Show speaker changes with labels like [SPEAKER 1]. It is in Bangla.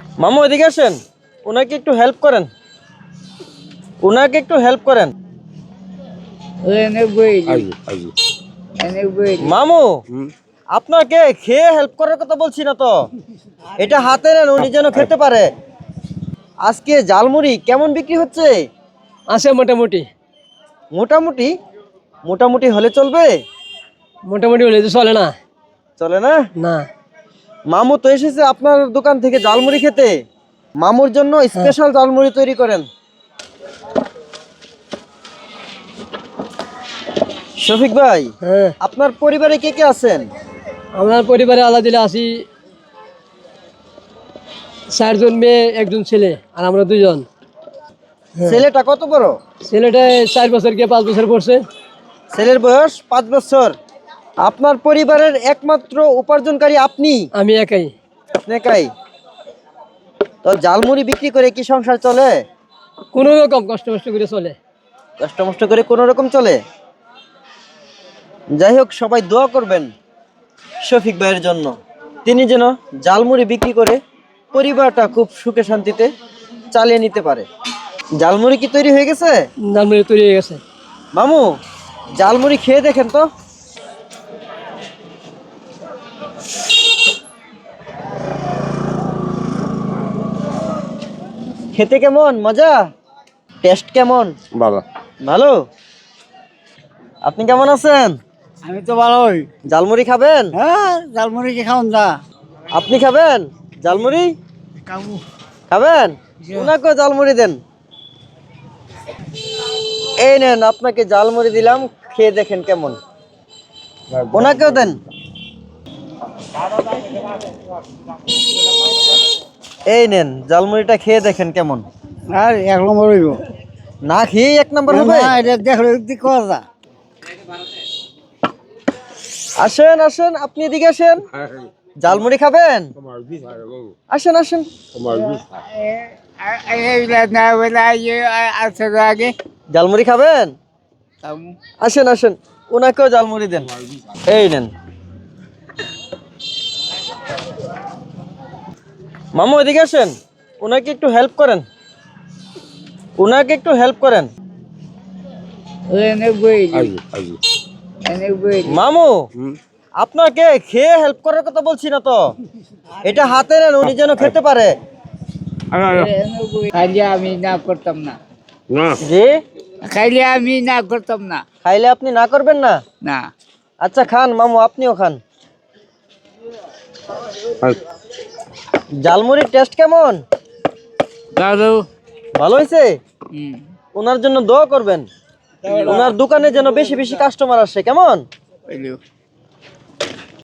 [SPEAKER 1] মামু এদিকে আসেন, ওনাকে একটু হেল্প করেন, ওনাকে একটু হেল্প করেন। মামু আপনাকে খেয়ে হেল্প করার কথা বলছি না তো, এটা হাতে নেন, উনি যেন খেতে পারে। আজকে জালমুড়ি কেমন বিক্রি হচ্ছে?
[SPEAKER 2] আছে মোটামুটি।
[SPEAKER 1] মোটামুটি? মোটামুটি হলে চলবে?
[SPEAKER 2] মোটামুটি হলে তো চলে না।
[SPEAKER 1] চলে না?
[SPEAKER 2] না।
[SPEAKER 1] মামু তো এসেছে আপনার দোকান থেকে জালমুড়ি খেতে, মামুর জন্য স্পেশাল জালমুড়ি তৈরি করেন। শফিক ভাই,
[SPEAKER 2] হ্যাঁ,
[SPEAKER 1] আপনার পরিবারে কে কে আছেন?
[SPEAKER 2] আমার পরিবারে আল্লাহ দিলে আছি 4 জন মেয়ে 1 জন ছেলে আর আমরা 2 জন।
[SPEAKER 1] ছেলেটা কত বড়?
[SPEAKER 2] ছেলেটা 4 বছর গিয়ে 5 বছর পড়ছে।
[SPEAKER 1] ছেলের বয়স 5 বছর। আপনার পরিবারের একমাত্র উপার্জনকারী আপনি?
[SPEAKER 2] আমি একাই।
[SPEAKER 1] আপনি একাই? তো জালমুড়ি বিক্রি করে কি সংসার চলে?
[SPEAKER 2] কোনো রকম কষ্ট করে চলে।
[SPEAKER 1] কষ্ট মষ্ট করে কোনো রকম চলে। যাই হোক, সবাই দোয়া করবেন শফিক ভাইয়ের জন্য, তিনি যেন জালমুড়ি বিক্রি করে পরিবারটা খুব সুখে শান্তিতে চালিয়ে নিতে পারে। জালমুড়ি কি তৈরি হয়ে গেছে?
[SPEAKER 2] জালমুড়ি তৈরি হয়ে গেছে।
[SPEAKER 1] মামু জালমুড়ি খেয়ে দেখেন তো। খেতে কেমন? মজা? টেস্ট কেমন?
[SPEAKER 3] ভালো।
[SPEAKER 1] ভালো। আপনি কেমন আছেন?
[SPEAKER 4] আমি তো ভালোই।
[SPEAKER 1] জালমুড়ি খাবেন?
[SPEAKER 4] হ্যাঁ, জালমুড়ি কি খাওন যা?
[SPEAKER 1] আপনি খাবেন জালমুড়ি?
[SPEAKER 4] কামু।
[SPEAKER 1] খাবেন? ওনাকে জালমুড়ি দেন। এই নেন, আপনাকে জালমুড়ি দিলাম, খেয়ে দেখেন কেমন। ওনাকেও দেন। এই নেন, জালমুড়িটা খেয়ে দেখেন কেমন।
[SPEAKER 4] আর 1 নম্বর হইব।
[SPEAKER 1] না খেয়ে 1 নম্বর হবে?
[SPEAKER 4] না, এটা দেখলে কি করা যা?
[SPEAKER 1] আসেন আসেন, আপনি এদিকে আসেন। জালমুড়ি খাবেন? আসেন আসেন।
[SPEAKER 4] এইগুলা না বলে আছে আগে।
[SPEAKER 1] জালমুড়ি খাবেন?
[SPEAKER 4] কামু।
[SPEAKER 1] আসেন আসেন, ওনাকেও জালমুড়ি দেন। এই নেন। মামু এদিকে আসেন, ওনাকে একটু হেল্প করেন, ওনাকে একটু হেল্প করেন। মামু আপনাকে খেয়ে হেল্প করার কথা বলছি না তো, এটা হাতে নেন, উনি যেন খেতে পারে।
[SPEAKER 4] খাইলে আমি না করতাম না।
[SPEAKER 1] জি?
[SPEAKER 4] খাইলে আমি না করতাম না।
[SPEAKER 1] খাইলে আপনি না করবেন না?
[SPEAKER 4] না।
[SPEAKER 1] আচ্ছা খান মামু, আপনিও খান। জালমুড়ির টেস্ট কেমন?
[SPEAKER 4] দাদু।
[SPEAKER 1] ভালো হয়েছে? ওনার জন্য দোয়া করবেন, ওনার দোকানে যেন বেশি বেশি কাস্টমার আসে। কেমন?